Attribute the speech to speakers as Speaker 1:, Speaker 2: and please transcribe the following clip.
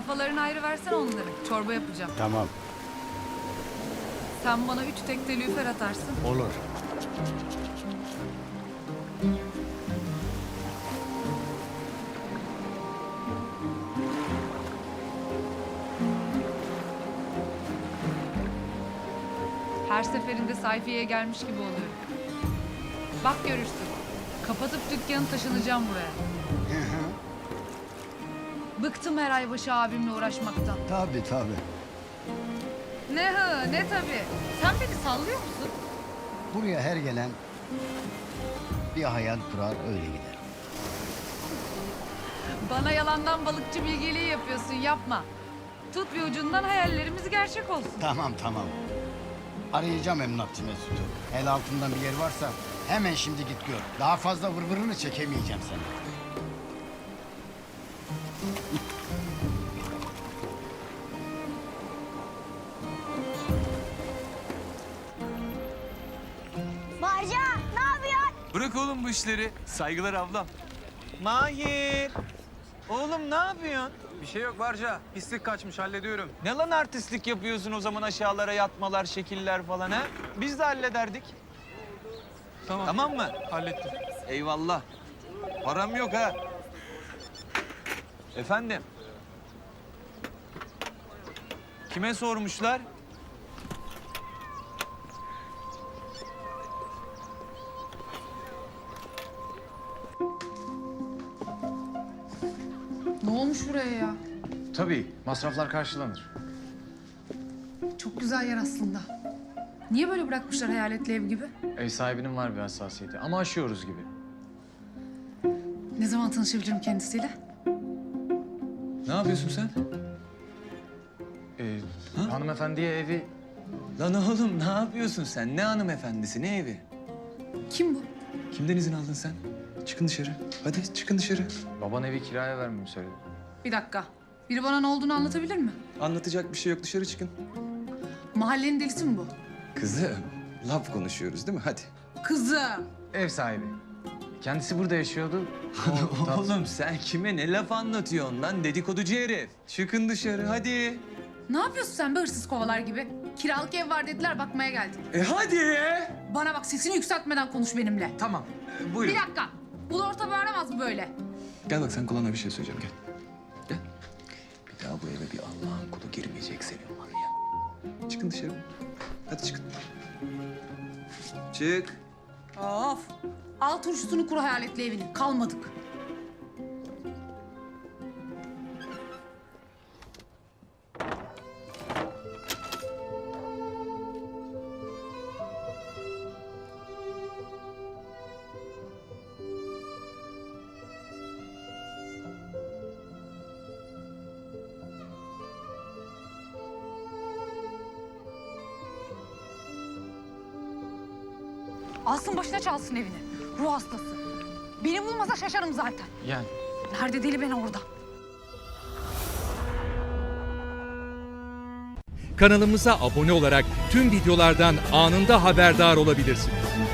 Speaker 1: Kafalarını ayrı versen onları. Çorba yapacağım.
Speaker 2: Tamam,
Speaker 1: Sen bana 3 tekte lüfer atarsın.
Speaker 2: olur.
Speaker 1: Her seferinde sayfiyeye gelmiş gibi oluyorum. Bak görürsün. Kapatıp dükkanı taşınacağım buraya. Bıktım her ay başı abimle uğraşmaktan.
Speaker 2: Tabii tabii.
Speaker 1: Ne hı ne tabii. Sen beni sallıyor musun?
Speaker 2: Buraya her gelen bir hayal kurar öyle gider.
Speaker 1: Bana yalandan balıkçı bilgeliği yapıyorsun, yapma. Tut bir ucundan hayallerimiz gerçek olsun.
Speaker 2: Tamam tamam. Arayacağım emlakçı Mesut'u. El altından bir yer varsa hemen şimdi git gör. Daha fazla vırvırını çekemeyeceğim seni.
Speaker 3: Barca ne yapıyorsun?
Speaker 4: Bırak oğlum bu işleri. Saygılar ablam.
Speaker 5: Mahir! Oğlum ne yapıyorsun?
Speaker 6: Bir şey yok Barca. Pislik kaçmış hallediyorum.
Speaker 5: Ne lan artistlik yapıyorsun o zaman aşağılara yatmalar, şekiller falan ha? Biz de hallederdik.
Speaker 6: Tamam.
Speaker 5: Tamam mı?
Speaker 6: Hallettim.
Speaker 5: Eyvallah. Param yok ha. Efendim? Kime sormuşlar?
Speaker 1: Ne olmuş buraya ya?
Speaker 7: Tabii, masraflar karşılanır.
Speaker 1: Çok güzel yer aslında. Niye böyle bırakmışlar hayaletli ev gibi?
Speaker 7: Ev sahibinin var bir hassasiyeti ama aşıyoruz gibi.
Speaker 1: Ne zaman tanışabilirim kendisiyle?
Speaker 5: Ne yapıyorsun sen?
Speaker 7: Hanımefendiye evi...
Speaker 5: Lan oğlum ne yapıyorsun sen? Ne hanımefendisi, ne evi?
Speaker 1: Kim bu?
Speaker 5: Kimden izin aldın sen? Çıkın dışarı. Hadi çıkın dışarı.
Speaker 7: Baban evi kiraya vermemi söyledi.
Speaker 1: Bir dakika. Biri bana ne olduğunu anlatabilir mi?
Speaker 8: Anlatacak bir şey yok. Dışarı çıkın.
Speaker 1: Mahallenin delisi mi bu?
Speaker 8: Kızım, laf konuşuyoruz değil mi? Hadi.
Speaker 1: Kızım.
Speaker 7: Ev sahibi. Kendisi burada yaşıyordu. O tat-
Speaker 5: Oğlum sen kime ne laf anlatıyorsun lan dedikoducu herif? Çıkın dışarı hadi.
Speaker 1: Ne yapıyorsun sen be hırsız kovalar gibi? Kiralık ev var dediler bakmaya geldim.
Speaker 5: Hadi.
Speaker 1: Bana bak sesini yükseltmeden konuş benimle.
Speaker 7: Tamam.
Speaker 5: Buyurun.
Speaker 1: Bir dakika. Ulu orta bağıramaz mı böyle?
Speaker 8: Gel bak sen kulağına bir şey söyleyeceğim. Gel. Gel. Bir daha bu eve bir Allah'ın kulu girmeyecek senin var ya. Çıkın dışarı. Hadi çıkın. Çık.
Speaker 1: Of. Al turşusunu kur hayaletli evini. Kalmadık. Alsın başına çalsın evini. Ruh hastası. Beni bulmasa şaşarım zaten.
Speaker 7: Yani.
Speaker 1: Nerede deli ben orada.
Speaker 9: Kanalımıza abone olarak tüm videolardan anında haberdar olabilirsiniz.